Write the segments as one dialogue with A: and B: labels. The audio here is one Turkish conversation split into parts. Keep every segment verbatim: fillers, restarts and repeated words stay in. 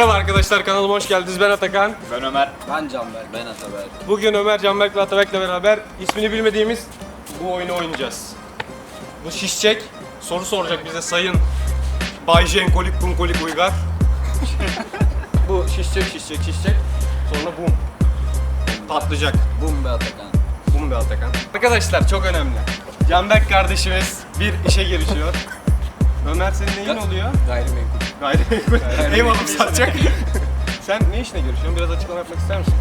A: Merhaba arkadaşlar, kanalıma hoş geldiniz. Ben Atakan.
B: Ben Ömer.
C: Ben Canberk. Ben Ataberk.
A: Bugün Ömer, Canberk ve Atabek'le beraber ismini bilmediğimiz bu oyunu oynayacağız. Bu şişecek, soru soracak bize sayın Bay Jenkolik Kunkolik Uygar. Bu şişecek, şişecek, şişecek. Sonra bum. Patlayacak.
C: Bum be Atakan.
A: Bum be Atakan. Arkadaşlar çok önemli. Canberk kardeşimiz bir işe girişiyor. Ömer senin neyin oluyor?
C: Gayrimenkul.
A: Gayrimenkul. Ev alıp satacak. Sen ne işine görüşüyorsun? Biraz açıklama yapmak ister misin?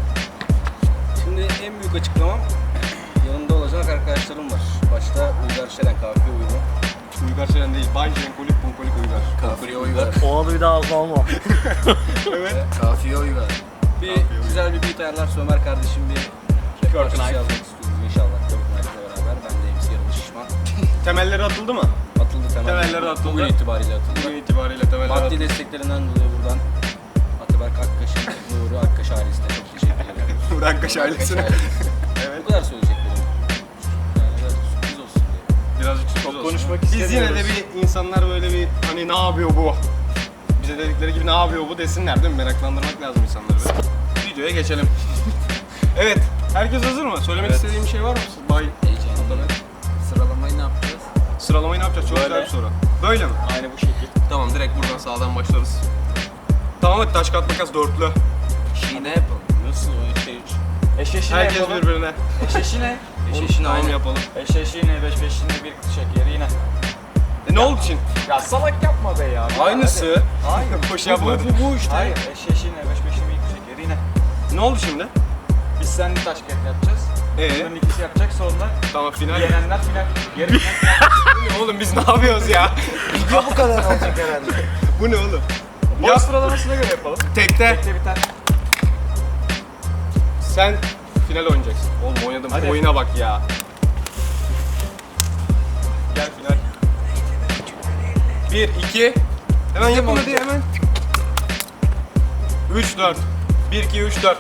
C: Şimdi en büyük açıklamam yanımda olacak arkadaşlarım var. Başta Uygar Şeren, Kafiye Uygar.
A: Uygar Şeren değil, Bay Jenkolik Kunkolik Uygar.
C: Kafiye Uygar.
D: O adı bir daha ağzına alma.
A: Evet.
C: Kafiye Uygar. Bir
A: Kafiye
C: güzel bir beat ayarlarsa Ömer kardeşim bir rap parçası yazmak istiyoruz inşallah. Körk Knight'la beraber. Ben de M C Yarılı Şişman.
A: Temelleri atıldı mı?
C: Atıldı temeller.
A: Temelleri atıldı.
C: Bugün itibariyle atıldı.
A: Bugün itibariyle temeller
C: Maddi
A: atıldı.
C: desteklerinden dolayı buradan Ataberk Akkaş'ın, Nuri Akkaş ailesine çok teşekkür ederim.
A: Burak Kaş ailesine.
C: Ailesi.
A: Evet.
C: Bu kadar söyleyeceklerim. Yani biraz sürpriz olsun diye.
A: Birazcık sürpriz
B: Çok
A: olsun.
B: konuşmak
A: Biz yine de
B: istemiyoruz.
A: bir insanlar böyle bir hani ne yapıyor bu? Bize dedikleri gibi ne yapıyor bu desinler değil mi? Meraklandırmak lazım insanları böyle. Videoya geçelim. Evet. Herkes hazır mı? Söylemek
B: Evet.
A: istediğim bir şey var mı? Bay
C: Heyecanlı.
A: Ataberk.
C: Sıralamayı ne yapacağız?
A: Sıralamayı ne yapacağız? Çok
B: Böyle.
A: güzel bir soru. Böyle mi?
B: Aynı bu şekil.
A: Tamam, direkt buradan sağdan başlarız. Tamam, hadi taş kağıt makas dörtlü.
C: Şiine yapalım.
B: Nasıl o şey? Eşeşine
A: Herkes
B: yapalım.
A: birbirine.
B: Eşeşine.
C: Eşeşine
A: Tamam
C: aynı.
A: yapalım.
B: Eşeşine, beş beşine, bir şekeri yine.
A: E ne oldu için?
B: Ya salak yapma be ya.
A: Aynısı.
B: Hayır.
A: Boş yapmadı.
B: Bu, bu işte. Hayır. Eşeşine, beş beşine, bir şekeri yine.
A: Ne oldu şimdi?
B: Biz seninle taş kağıt yapacağız.
A: Ee,
B: Bunların ikisi yapacak sonra
A: tamam final.
B: yenenler final. Yarı final.
A: Oğlum biz ne yapıyoruz ya?
C: Video bu kadar olacak herhalde.
A: Bu ne oğlum?
B: Boy
A: Yap.
B: sıralamasına göre yapalım.
A: Tekte.
B: Tekte biter.
A: Sen final oynayacaksın. Oğlum oynadım.
B: Hadi.
A: Oyuna bak ya. Gel final. Bir, iki. Hemen yapın hadi hemen. Üç, dört. Bir, iki, üç, dört.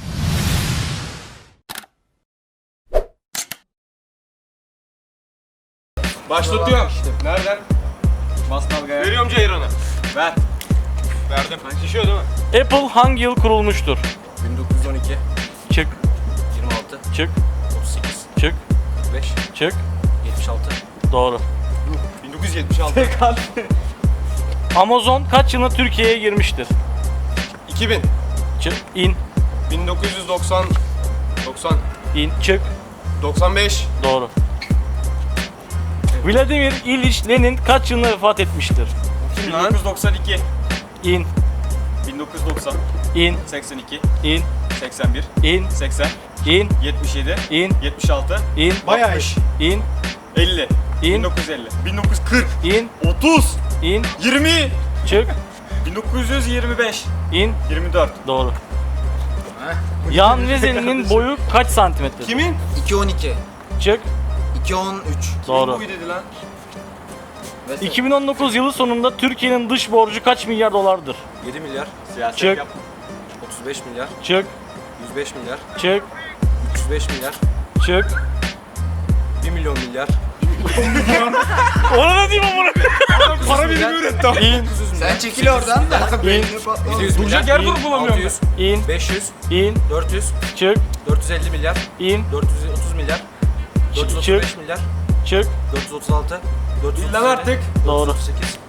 A: Başlatıyorum. Nereden?
B: Bas dalgaya.
A: Veriyorum Ceyran'ı.
B: Ver.
A: Verdim. Şişiyor değil mi?
D: Apple hangi yıl kurulmuştur?
C: bin dokuz yüz on iki,
D: Çık,
C: yirmi altı,
D: çık,
C: otuz sekiz,
D: çık,
C: kırk beş,
D: çık.
C: yetmiş altı.
D: Doğru.
A: bin dokuz yüz yetmiş altı.
D: Amazon kaç yılında Türkiye'ye girmiştir?
A: iki bin.
D: Çık, in,
A: bin dokuz yüz doksan. doksan.
D: in, çık.
A: doksan beş.
D: Doğru. Vladimir İliç Lenin kaç yılında vefat etmiştir?
A: Kim
B: bin
A: lan?
B: dokuz yüz doksan iki,
D: İn,
B: bin dokuz yüz doksan,
D: in,
B: seksen iki,
D: in,
B: seksen bir,
D: in,
B: seksen,
D: in,
B: yetmiş yedi,
D: in,
B: yetmiş altı,
D: in,
A: Bayağı iş.
D: in,
B: elli, bin
D: in,
B: dokuz yüz elli, bin dokuz yüz kırk,
D: in,
B: otuz,
D: in,
B: yirmi,
D: çık,
B: bin dokuz yüz yirmi beş,
D: in.
B: yirmi dört.
D: Doğru. Yan Vezeli'nin boyu kaç santimetre?
A: Kimin?
C: iki on iki,
D: Çık.
C: iki on üç.
D: Doğru.
A: Bu dedi lan.
D: iki bin on dokuz yılı sonunda Türkiye'nin dış borcu kaç milyar dolardır?
C: yedi milyar,
B: Siyaset
D: Çık.
B: yap.
C: otuz beş milyar,
D: Çık,
C: yüz beş milyar,
D: çık,
C: üç yüz beş milyar,
D: çık.
C: bir milyon milyar.
D: Ona ne diyeyim amına?
A: Para birimi üretti abi.
D: İn,
C: Sen çekil oradan da.
D: in,
C: yedi yüz
A: Duracak yer
D: İyi.
A: bulamıyorum
C: altı yüz,
D: in,
C: beş yüz,
D: in,
C: dört yüz,
D: çık,
C: dört yüz elli milyar,
D: in,
C: dört yüz otuz milyar, dört yüz otuz beş milyar,
D: çık.
C: dört yüz otuz altı, dört yüz otuz
A: Lan
C: yedi,
A: artık.
D: Doğru.
C: dört yüz otuz sekiz.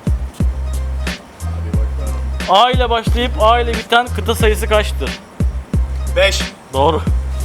D: A ile başlayıp A ile biten kıta sayısı kaçtır?
A: beş.
D: Doğru.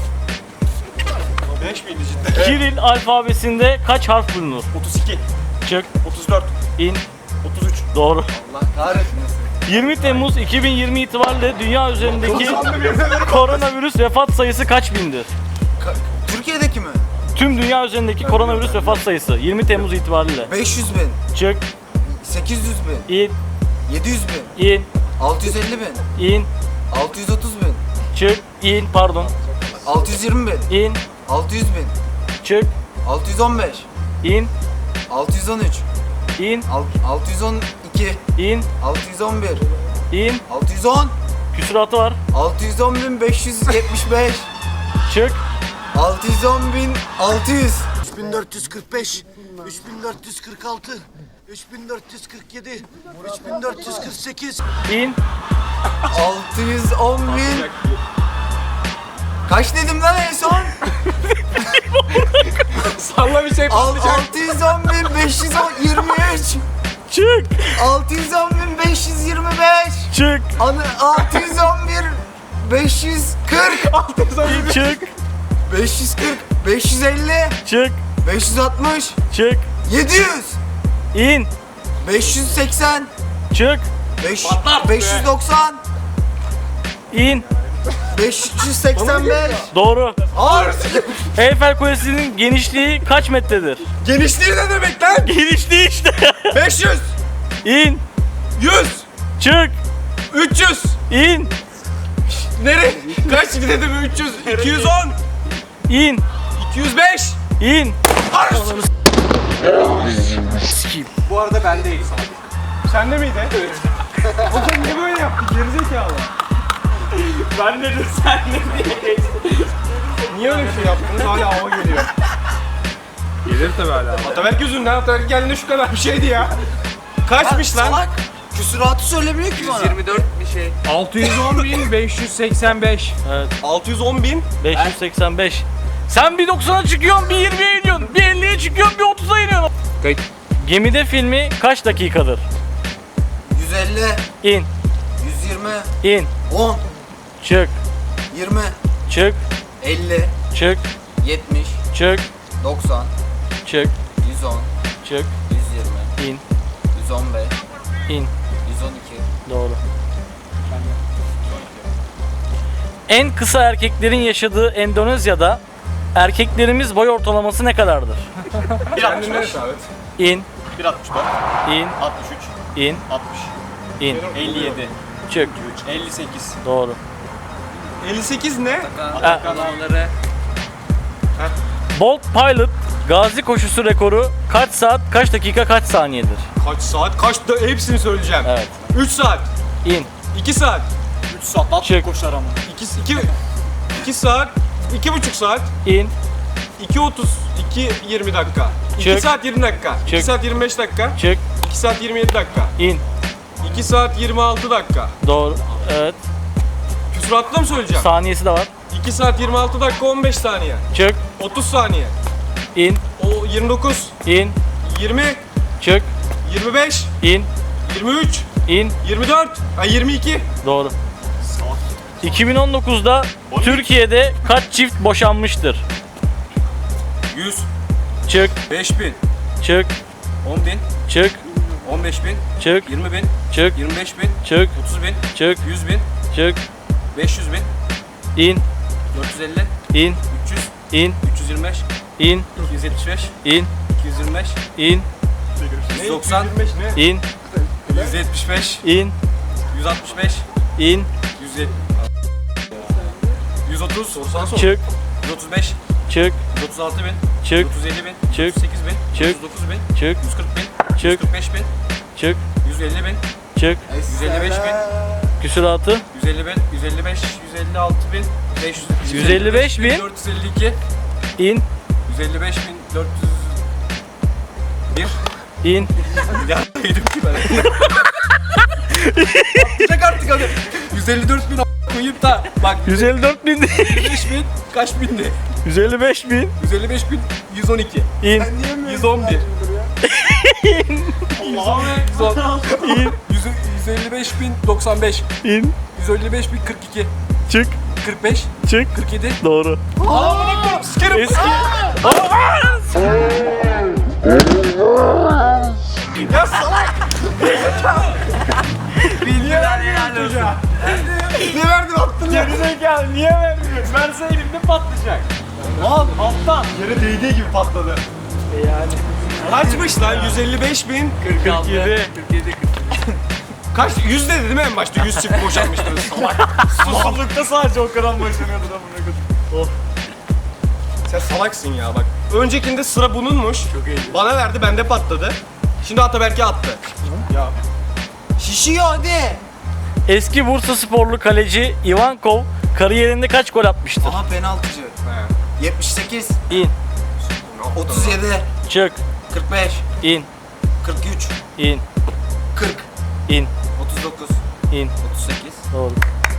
A: beş miydi cidden?
D: Kiril alfabesinde kaç harf bulunur?
A: otuz iki.
D: Çık,
A: otuz dört.
D: in,
A: otuz üç.
D: doğru.
C: Allah kahretmesin.
D: yirmi Temmuz iki bin yirmi itibariyle dünya üzerindeki koronavirüs vefat sayısı kaç bindir?
C: Türkiye'deki mi?
D: Tüm dünya üzerindeki koronavirüs vefat sayısı yirmi Temmuz itibariyle.
C: beş yüz bin,
D: Çık,
C: sekiz yüz bin,
D: in,
C: yedi yüz bin,
D: in,
C: altı yüz elli bin,
D: in,
C: altı yüz otuz bin,
D: çık, in, pardon,
C: altı yüz yirmi bin,
D: in,
C: altı yüz bin,
D: çık,
C: altı yüz on beş,
D: in,
C: altı yüz on üç,
D: in,
C: alt- altı yüz on iki,
D: in,
C: altı yüz on bir,
D: in,
C: altı yüz on,
D: küsuratı var.
C: altı yüz on bin beş yüz yetmiş beş,
D: Çık,
C: altı yüz on bin altı yüz,
E: üç bin dört yüz kırk beş, üç bin dört yüz kırk altı, üç bin dört yüz kırk yedi, üç bin dört yüz kırk sekiz,
D: İn.
F: altı yüz on bin. Kaç dedim lan en son?
A: Salla bir şey
F: Al-
A: patlayacak.
F: altı yüz on bin beş yüz yirmi üç.
D: Çık.
F: altı yüz on bin beş yüz yirmi beş.
D: Çık.
F: Anı altı yüz on bir beş yüz kırk.
D: Çık.
F: beş yüz kırk. beş yüz elli.
D: Çık.
F: beş yüz altmış.
D: Çık.
F: yedi yüz.
D: İn.
F: beş yüz seksen.
D: Çık.
F: beş beş yüz doksan.
D: İn.
F: beş yüz seksen beş.
D: Doğru.
A: Ağır.
D: Eyfel Kulesi'nin genişliği kaç metredir?
A: Genişliği ne demek lan?
D: Genişliği işte.
A: beş yüz,
D: İn.
A: yüz,
D: Çık.
A: üç yüz.
D: İn.
A: Nereye? Kaç dedim? üç yüz, iki yüz on,
D: İn.
A: iki yüz beş.
D: İn.
A: Bu arada bendeyiz abi. Sende miydi? Evet. Hocam niye böyle yaptı? Gerizekalı.
D: Ben dedim sen ne diye.
A: Niye öyle bir şey yaptınız? Hala hava geliyor. Gelir tabii hala. Ataberk yüzünden. Ataberk geldiğinde şu kadar bir şeydi ya. Kaçmış lan?
F: Salak. Küsuratı söylemiyor ki bana.
C: yirmi dört bir şey.
A: altı yüz on bin beş yüz seksen beş.
D: Evet.
A: altı yüz on bin.
D: beş yüz seksen beş. Sen bir doksana çıkıyorsun, bir yirmiye iniyorsun, bir elliye çıkıyorsun, bir otuza iniyorsun.
A: Kayıt.
D: Gemide filmi kaç dakikadır?
F: yüz elli.
D: İn.
F: yüz yirmi.
D: İn.
F: on.
D: Çık.
F: yirmi.
D: Çık.
F: elli.
D: Çık.
F: yetmiş.
D: Çık.
F: doksan.
D: Çık.
F: yüz on.
D: Çık.
F: yüz yirmi.
D: İn.
F: yüz on beş.
D: İn.
F: yüz on iki.
D: Doğru. En kısa erkeklerin yaşadığı Endonezya'da erkeklerimiz boy ortalaması ne kadardır?
B: bir altmış beş.
D: İn.
B: bir altmış dört.
D: İn.
B: altmış üç.
D: İn.
B: altmış.
D: İn.
B: elli yedi.
D: Çık.
B: elli sekiz.
D: Doğru.
A: elli sekiz ne?
C: Kanalları.
D: Bolt Pilot gazi koşusu rekoru kaç saat, kaç dakika, kaç saniyedir?
A: Kaç saat? Kaç da hepsini söyleyeceğim.
D: Evet.
A: üç saat.
D: İn.
A: iki saat.
B: üç saat at
D: Çık.
B: koşar ama.
A: iki, iki, iki saat. iki buçuk saat.
D: İn.
A: iki otuz. iki yirmi dakika. iki
D: Çık.
A: saat yirmi dakika. iki
D: Çık.
A: saat yirmi beş dakika.
D: Çık.
A: iki saat yirmi yedi dakika.
D: İn.
A: iki saat yirmi altı dakika.
D: Doğru. Evet.
A: Küsuratla mı söyleyeceğim?
D: Saniyesi de var.
A: iki saat yirmi altı dakika on beş saniye.
D: Çık.
A: otuz saniye.
D: İn.
A: O yirmi dokuz.
D: İn.
A: yirmi.
D: Çık.
A: yirmi beş.
D: İn.
A: yirmi üç.
D: İn.
A: yirmi dört. Ha yirmi iki.
D: Doğru. iki bin on dokuzda Türkiye'de kaç çift boşanmıştır?
B: yüz.
D: Çık.
B: beş bin.
D: Çık.
B: on bin.
D: Çık.
B: on beş bin.
D: Çık.
B: yirmi bin.
D: Çık.
B: yirmi beş bin.
D: Çık.
B: otuz bin.
D: Çık.
B: yüz bin.
D: Çık.
B: beş yüz bin.
D: İn.
B: dört yüz elli.
D: İn.
B: üç yüz.
D: İn.
B: üç yüz yirmi beş.
D: İn.
B: iki yüz yetmiş beş.
D: İn.
B: iki yüz yirmi beş.
D: İn.
B: yüz doksan.
A: ne?
D: İn.
B: yüz yetmiş beş.
D: İn.
B: yüz altmış beş.
D: İn.
B: yüz yetmiş. yüz otuz.
D: Çık.
B: yüz otuz beş.
D: Çık.
B: yüz otuz altı bin.
D: Çık.
B: yüz otuz yedi bin.
D: Çık.
B: yüz otuz sekiz bin.
D: Çık.
B: yüz otuz dokuz bin.
D: Çık.
B: yüz kırk bin. yüz
D: Çık.
B: kırk beş bin.
D: Çık.
B: yüz elli bin.
D: Çık.
B: yüz elli beş bin.
D: Küsuratı.
B: yüz elli bin. yüz elli beş. yüz elli altı bin. beş yüz.
D: yüz elli beş bin.
B: dört yüz elli iki.
D: İn.
B: yüz elli beş bin. dört yüz bir.
D: İn.
B: Ya yedim ki ben. Atlayacak artık hadi. yüz elli dört bin a- koyup da bak
D: yüz elli dört bin.
B: yüz elli beş bin kaç bindi?
D: yüz elli beş bin.
B: yüz elli beş bin yüz on iki.
D: İn.
B: yüz on bir. yüz on.
D: İn.
B: yüz elli beş bin doksan beş.
D: İn.
B: yüz elli beş bin kırk iki.
D: Çık.
B: kırk beş.
D: Çık.
B: kırk yedi.
D: Doğru. Eski.
A: Ya salak! Niye vermiyorsun çocuğa? Ne verdin attın ya?
D: Gerizekalı niye vermiyorsun? Verse elimde patlayacak. Al alttan.
A: Yere değdiği gibi patladı.
D: Yani.
A: Kaçmış lan? yüz elli beş bin.
D: kırk yedi.
A: Kaç? yüz dedi değil mi en başta? yüz çift boşanmıştınız salak.
D: Susuzlukta sadece o kadar boşanıyordu da bunu.
A: Sen salaksın ya bak. Öncekinde sıra bununmuş. Çok iyi. Bana verdi bende patladı. Şimdi Ataberk'e attı. Ya.
F: Şişiyor hadi.
D: Eski Bursa sporlu kaleci Ivankov kariyerinde kaç gol atmıştır?
F: Aha penaltıcı. yetmiş sekiz.
D: İn.
F: otuz yedi,
D: Çık.
F: kırk beş,
D: İn.
F: kırk üç,
D: İn.
F: kırk,
D: İn.
F: otuz dokuz,
D: İn.
F: otuz sekiz.
D: Doğru.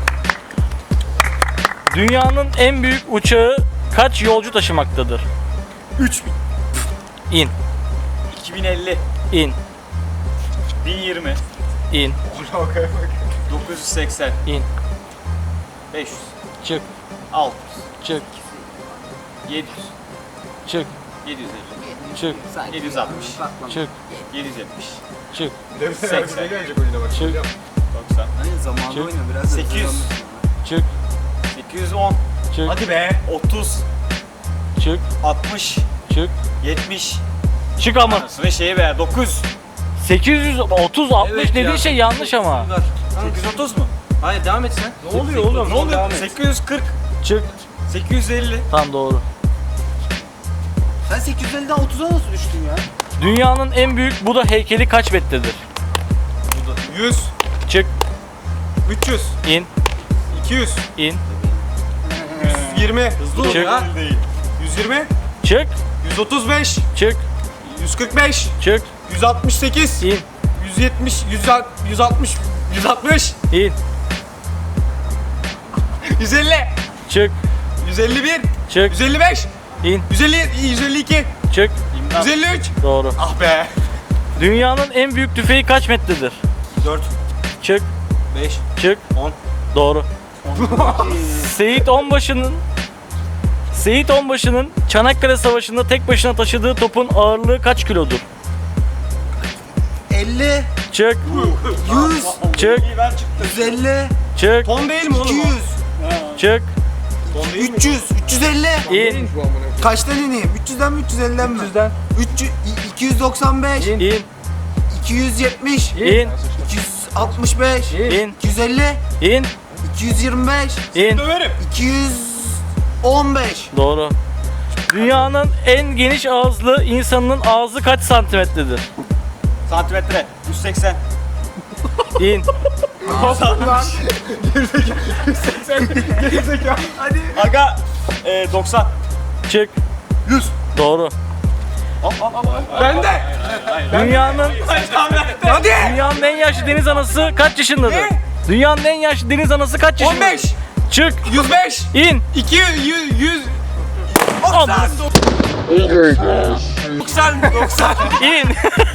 D: Dünyanın en büyük uçağı kaç yolcu taşımaktadır?
B: üç bin.
D: İn.
B: iki bin elli.
D: İn.
B: bin yirmi.
D: İn.
B: dokuz yüz seksen.
D: İn.
B: beş yüz.
D: Çık.
B: altı
D: Çık.
B: yüz. yedi yüz.
D: Çık.
B: yedi yüz elli.
D: Çık.
B: yedi yüz altmış.
D: Çık.
B: yedi yüz yetmiş.
D: Çık.
A: seksen gelecek oyuna bak.
D: Çık.
B: doksan.
F: Hani zamanında
D: Çık.
F: oynuyor biraz. da
B: sekiz yüz.
F: hızlanmış.
D: Çık.
B: sekiz yüz on.
D: Çık.
A: Hadi be.
B: otuz.
D: Çık.
B: altmış.
D: Çık.
B: yetmiş.
D: Çık ama.
B: Anasını şeyi be. dokuz.
D: sekiz yüz otuz altmış
C: Evet
D: dediğin
C: ya.
D: şey yanlış ama.
C: Uygar.
B: sekiz yüz otuz mu?
C: Hayır devam et sen.
A: Ne oluyor oğlum?
B: Ne oluyor?
C: Devam et.
B: sekiz yüz kırk.
D: Çık.
B: sekiz yüz elli.
D: Tam doğru.
F: Sen sekiz yüz elliden otuza nasıl düştün ya?
D: Dünyanın en büyük Buda heykeli kaç metredir?
A: yüz,
D: Çık.
A: üç yüz,
D: İn.
A: iki yüz,
D: İn.
A: yüz yirmi, hızlı ol
D: Çık.
A: ya. yüz yirmi,
D: Çık.
A: yüz otuz beş,
D: Çık.
A: yüz kırk beş,
D: Çık.
A: yüz altmış sekiz,
D: İn.
A: yüz yetmiş, yüz altmış, yüz altmış,
D: İn.
A: yüz elli,
D: Çık.
A: yüz elli bir,
D: Çık.
A: yüz elli beş,
D: İn.
A: yüz elli, yüz elli iki,
D: Çık.
A: yüz elli üç.
D: Doğru.
A: Ah be.
D: Dünyanın en büyük tüfeği kaç metredir?
C: dört,
D: Çık.
C: beş,
D: Çık.
C: on.
D: Doğru. Seyit Onbaşı'nın Seyit Onbaşı'nın Çanakkale Savaşı'nda tek başına taşıdığı topun ağırlığı kaç kilodur?
F: elli,
D: Çık.
F: yüz,
D: Çık.
B: Ben çıktım.
F: yüz elli,
D: Çık.
A: Ton değil mi oğlum?
F: iki
A: o?
F: yüz,
D: Çık.
A: Ton değil mi?
F: üç yüz, üç yüz elli.
D: İn.
F: Kaçtan ineyim? üç yüzden mi üç yüz elliden mi?
D: üç yüzden.
F: üç yüz, iki yüz doksan beş,
D: İn.
F: iki yüz yetmiş,
D: İn.
F: iki yüz altmış beş,
D: İn.
F: iki yüz elli,
D: İn.
F: iki yüz yirmi beş,
D: İn.
A: Döverim.
F: iki yüz on beş.
D: Doğru. Dünyanın en geniş ağızlı insanın ağzı kaç santimetredir?
B: Santimetre. yüz seksen.
D: İn.
B: Aga. E, doksan.
D: Çık.
B: yüz.
D: Doğru.
A: Ben de.
D: Dünyanın
A: Hadi.
D: Dünyanın en yaşlı deniz anası kaç yaşındadır?
A: Ne?
D: Dünyanın en yaşlı deniz anası kaç
A: on
D: yaşındadır?
A: beş,
D: Çık.
A: yüz beş,
D: İn.
A: iki yüz, yüz, yüz,
D: Aman.
A: doksan, doksan.
D: İn.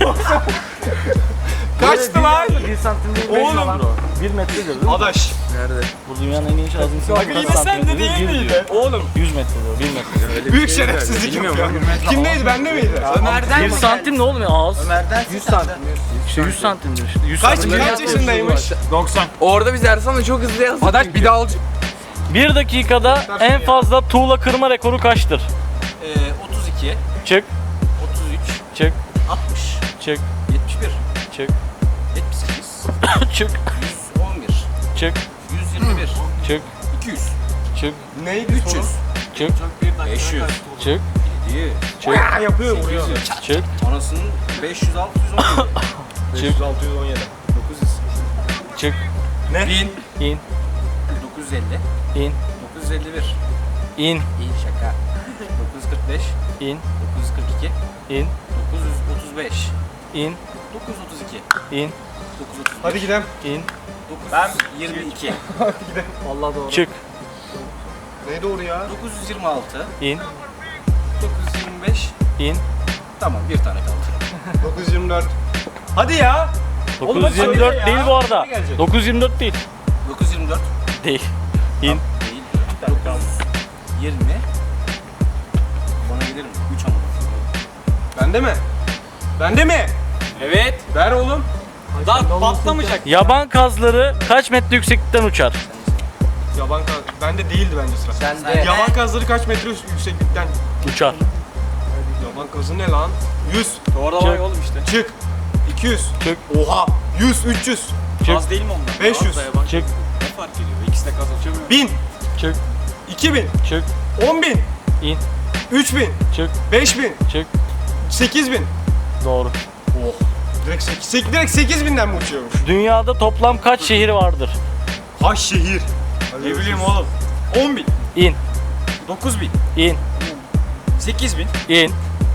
A: Kaçtı lan?
D: Bir santim değil mi?
A: Oğlum.
D: Bir metredir değil mi?
A: Adaş.
D: Bu dünyanın en geniş ağzı insanı
A: Aga
D: kaç
A: yine sen de
D: santimetre
A: değil
D: Bir
A: miydi?
D: diyor.
A: Oğlum.
D: yüz metre diyor. bir metre.
A: Büyük şerefsizlik yapıyor. Kimdeydi? Bende miydi?
F: Ömer'den
D: Bir
F: mi
D: santim ne oğlum ya ağız?
F: Ömer'den yüz santim.
D: İşte yüz santimdir işte. yüz
A: Kaç,
D: santim.
A: kaç yaşındaymış?
B: doksan.
G: Orada biz Ersan'la çok hızlı yazdık.
B: Adaş bir daha alacak.
D: Bir dakikada en fazla tuğla kırma rekoru kaçtır?
C: Ee, otuz iki,
D: Çık.
C: otuz üç,
D: Çık.
C: altmış,
D: Çık.
C: yetmiş bir,
D: Çık.
C: yetmiş sekiz,
D: Çık.
C: yüz on bir,
D: Çık.
C: yüz yirmi bir,
D: Çık.
C: iki yüz,
D: Çık.
A: Neydi?
C: üç yüz,
D: Çık.
C: beş yüz,
D: Çık.
C: yedi,
A: Ya yapıyor vuruyor.
D: Çık.
C: anasının beş yüz, altı yüz, on yedi,
A: beş yüz, altı yüz on yedi.
C: dokuz yüz,
D: Çık.
A: Ne?
C: bin,
D: İn.
C: dokuz yüz elli,
D: İn.
C: dokuz yüz elli bir,
D: İn.
C: iyi şaka, dokuz yüz kırk beş,
D: İn.
C: dokuz yüz kırk iki,
D: İn.
C: dokuz yüz otuz beş,
D: İn.
C: dokuz yüz otuz iki,
D: İn.
C: dokuz yüz otuz beş,
A: Hadi gidelim.
D: İn.
C: dokuz yüz yirmi iki,
D: Çık.
A: Ne doğru ya?
C: dokuz yüz yirmi altı,
D: İn.
C: dokuz yüz yirmi beş,
D: İn.
C: tamam bir tane kaldı.
A: dokuz yüz yirmi dört. Hadi ya. Oğlum hadi
D: dokuz yüz yirmi dört
A: söyle ya.
D: değil bu arada.
A: Ne gelecek?
D: dokuz yüz yirmi dört değil.
C: dokuz yüz yirmi dört
D: Değil. İn.
C: değil. dokuz yüz yirmi. Bana gelir mi? üç ama.
A: Bende mi? Bende mi?
B: Evet.
A: Ver oğlum.
B: Daha patlamayacak.
D: Yaban kazları kaç metre yükseklikten uçar?
A: Yaban kaz... Bende değildi bence sıra.
F: Sen de.
A: Yaban kazları kaç metre yükseklikten?
D: Uçar.
A: Yaban kazı ne lan? yüz.
B: Orada var ya oğlum işte.
A: Çık. iki yüz.
D: Çık.
A: Oha. yüz, üç yüz.
D: Çık.
B: Az değil mi onlar?
A: beş yüz.
D: Çık.
B: Ne fark ediyor? İkisi de kazanıyor.
A: bin.
D: Çık.
A: iki bin.
D: Çık.
A: on bin.
D: İn.
A: üç bin.
D: Çık.
A: beş bin.
D: Çık.
A: sekiz bin.
D: Doğru.
A: Direkt, sekiz, direkt sekiz binden mi uçuyormuş?
D: Dünyada toplam kaç şehir vardır?
A: Kaç şehir?
B: Ne bileyim oğlum. on bin.
D: İn.
B: dokuz bin.
D: İn.
B: sekiz bin.
D: İn.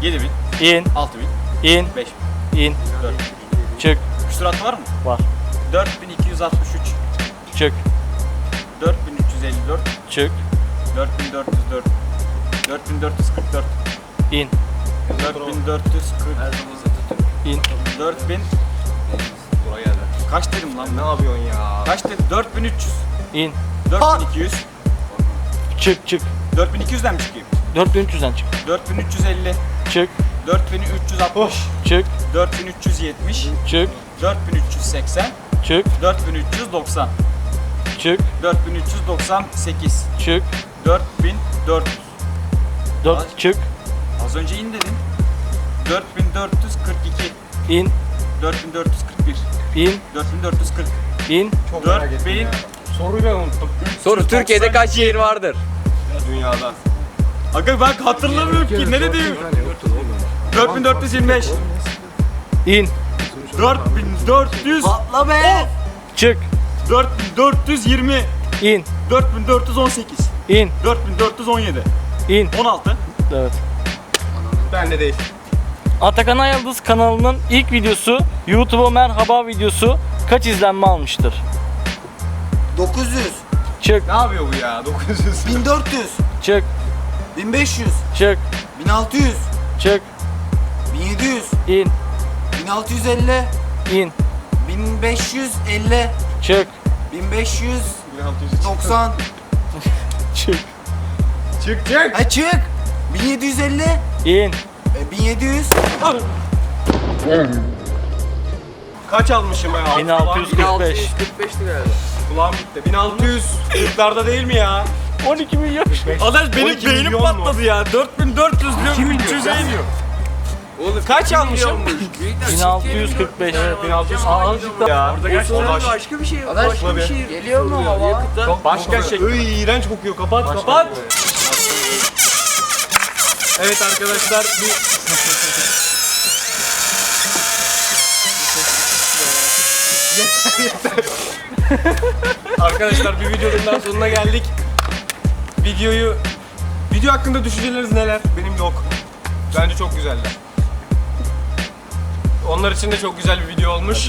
B: yedi bin,
D: İn.
B: altı bin,
D: İn.
B: beş bin,
D: İn.
B: dört bin.
D: Çık.
B: Küsurat var mı?
D: Var.
B: dört bin iki yüz altmış üç,
D: Çık.
B: dört bin üç yüz elli dört,
D: Çık.
B: dört bin dört yüz dört, dört bin dört yüz kırk dört,
D: İn.
B: dört bin dört yüz kırk,
D: İn.
B: dört bin,
A: Buraya geldi.
B: kaç dedim lan?
A: Ne yapıyorsun ya?
B: Kaç dedim? dört bin üç yüz,
D: İn.
B: dört bin iki yüz,
D: Çık çık.
B: dört bin iki yüzden mi çıkayım?
D: dört bin üç yüzden çık.
B: dört bin üç yüz elli,
D: Çık.
B: dört bin üç yüz altmış,
D: Çık.
B: dört bin üç yüz yetmiş,
D: Çık.
B: dört bin üç yüz seksen,
D: Çık.
B: dört bin üç yüz doksan,
D: Çık.
B: dört bin üç yüz doksan sekiz,
D: Çık.
B: dört bin dört yüz.
D: Dört. Çık.
B: Az önce in dedim. dört bin dört yüz kırk iki,
D: İn.
B: dört bin dört yüz kırk bir,
D: İn.
B: dört bin dört yüz kırk,
D: İn.
B: dört bin,
A: Soruyu ben unuttum.
G: Soru Türkiye'de kaç şehir vardır?
A: Dünyada.
B: Aga ben hatırlamıyorum ki ne dedim? dört bin dört yüz yirmi beş,
D: İn.
B: dört bin dört yüz,
E: Patla be!
D: Çık.
B: dört bin dört yüz yirmi,
D: İn.
B: dört bin dört yüz on sekiz,
D: İn.
B: dört bin dört yüz on yedi,
D: İn.
B: on altı,
D: Evet.
A: Ben de değil.
D: Atakan Ayıldız kanalının ilk videosu YouTube'a merhaba videosu kaç izlenme almıştır?
E: dokuz yüz,
D: Çık.
A: Ne yapıyor bu ya? dokuz yüz.
E: bin dört yüz,
D: Çık.
E: bin beş yüz,
D: Çık.
E: bin altı yüz,
D: Çık.
E: bin yedi yüz,
D: İn.
E: bin altı yüz elli,
D: İn.
E: bin beş yüz elli,
D: Çık.
E: bin beş yüz doksan.
D: Çık.
A: Çık çık.
E: Ha çık. bin yedi yüz elli,
D: İn.
E: e, bin yedi yüz,
A: Kaç almışım ya?
D: bin altı yüz kırk beş.
G: kırk beşti galiba.
A: Kulağım gitti. bin altı yüz kırklarda değil mi ya?
D: on iki milyon.
B: Adaş benim
A: on iki
B: beynim
A: milyon mu?
B: patladı ya. dört bin dört yüz diyor, üç yüz iniyor.
G: Oğlum
A: Kaç almışım?
D: bin altı yüz kırk beş.
A: bin altı yüz azıcık ya. Orada gerçekten
G: başka bir şey başka bir şey geliyor mu hava?
A: başka şey. Iy, iğrenç kokuyor. Kapat kapat. Evet arkadaşlar bir yeter yeter. Arkadaşlar bir videonun daha sonuna geldik. Videoyu video hakkında düşünceleriniz neler? Benim yok. Bence çok güzeldi. Onlar için de çok güzel bir video olmuş.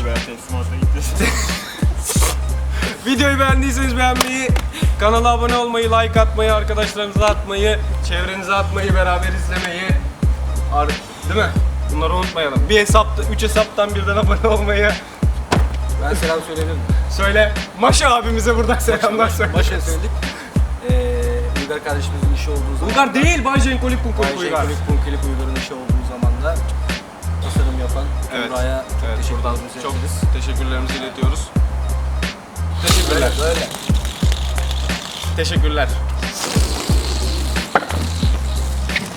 A: Videoyu beğendiyseniz beğenmeyi, kanala abone olmayı, like atmayı, arkadaşlarınıza atmayı, çevrenize atmayı, beraber izlemeyi, ar- değil mi? Bunları unutmayalım. Bir hesapta, üç hesaptan birden abone olmayı
C: Ben selam söyleyebilir miyim?
A: söyle. Maşa abimize buradan selamlar söyle.
C: Başa söyledik. Ee, Uygar kardeşimizin işi olduğu zaman.
A: Bulgar değil, Bay Jenkolik Punkolik
C: Ayşe
A: Uygar.
C: Kulik Punkilik Uygar'ın işi olduğu zaman da tasarım yapan
A: Evet.
C: Emrah'a çok
A: Evet,
C: teşekkür
A: buradan
C: ederiz.
A: çok teşekkürlerimizi iletiyoruz. Teşekkürler.
C: Böyle.
A: Teşekkürler.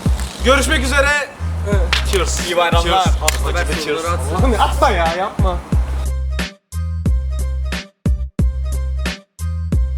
A: Görüşmek üzere. Cheers. İyi bayramlar.
C: Cheers.
A: Cheers. Oğlum atma ya, yapma.